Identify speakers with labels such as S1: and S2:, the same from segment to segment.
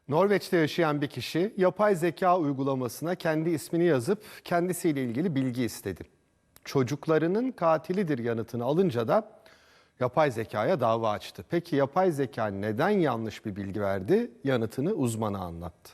S1: Norveç'te yaşayan bir kişi yapay zeka uygulamasına kendi ismini yazıp kendisiyle ilgili bilgi istedi. Çocuklarının katilidir yanıtını alınca da yapay zekaya dava açtı. Peki yapay zeka neden yanlış bir bilgi verdi? Yanıtını uzmana anlattı.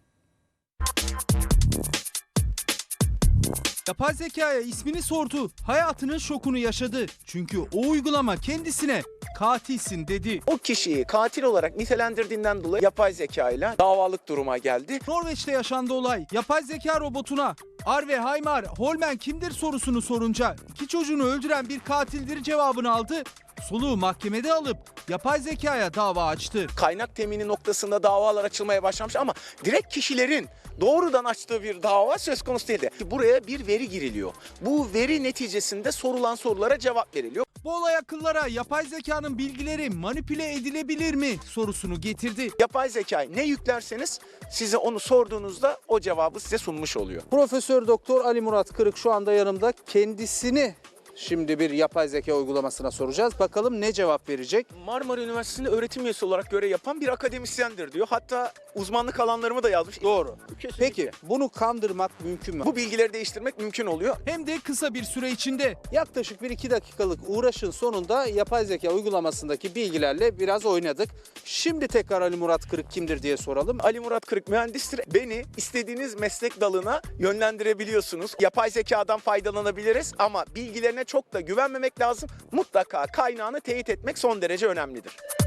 S2: Yapay zekaya ismini sordu, hayatının şokunu yaşadı. Çünkü o uygulama kendisine katilsin dedi.
S3: O kişiyi katil olarak nitelendirdiğinden dolayı yapay zeka ile davalık duruma geldi.
S2: Norveç'te yaşandı olay. Yapay zeka robotuna Arve Haymar Holmen kimdir sorusunu sorunca iki çocuğunu öldüren bir katildir cevabını aldı. Soluğu mahkemede alıp yapay zekaya dava açtı.
S3: Kaynak temini noktasında davalar açılmaya başlamış ama direkt kişilerin doğrudan açtığı bir dava söz konusu değildi. Buraya bir veri giriliyor. Bu veri neticesinde sorulan sorulara cevap veriliyor.
S2: Bu olay akıllara yapay zekanın bilgileri manipüle edilebilir mi sorusunu getirdi.
S3: Yapay zekayı ne yüklerseniz size onu sorduğunuzda o cevabı size sunmuş oluyor.
S4: Profesör Doktor Ali Murat Kırık şu anda yanımda. Kendisini şimdi bir yapay zeka uygulamasına soracağız. Bakalım ne cevap verecek?
S3: Marmara Üniversitesi'nde öğretim üyesi olarak görev yapan bir akademisyendir diyor. Hatta uzmanlık alanlarımı da yazmış.
S4: Doğru.
S3: Kesinlikle.
S4: Peki bunu kandırmak mümkün mü?
S3: Bu bilgileri değiştirmek mümkün oluyor.
S2: Hem de kısa bir süre içinde.
S4: Yaklaşık 1-2 dakikalık uğraşın sonunda yapay zeka uygulamasındaki bilgilerle biraz oynadık. Şimdi tekrar Ali Murat Kırık kimdir diye soralım.
S3: Ali Murat Kırık mühendistir. Beni istediğiniz meslek dalına yönlendirebiliyorsunuz. Yapay zekadan faydalanabiliriz ama bilgilerine çok da güvenmemek lazım. Mutlaka kaynağını teyit etmek son derece önemlidir.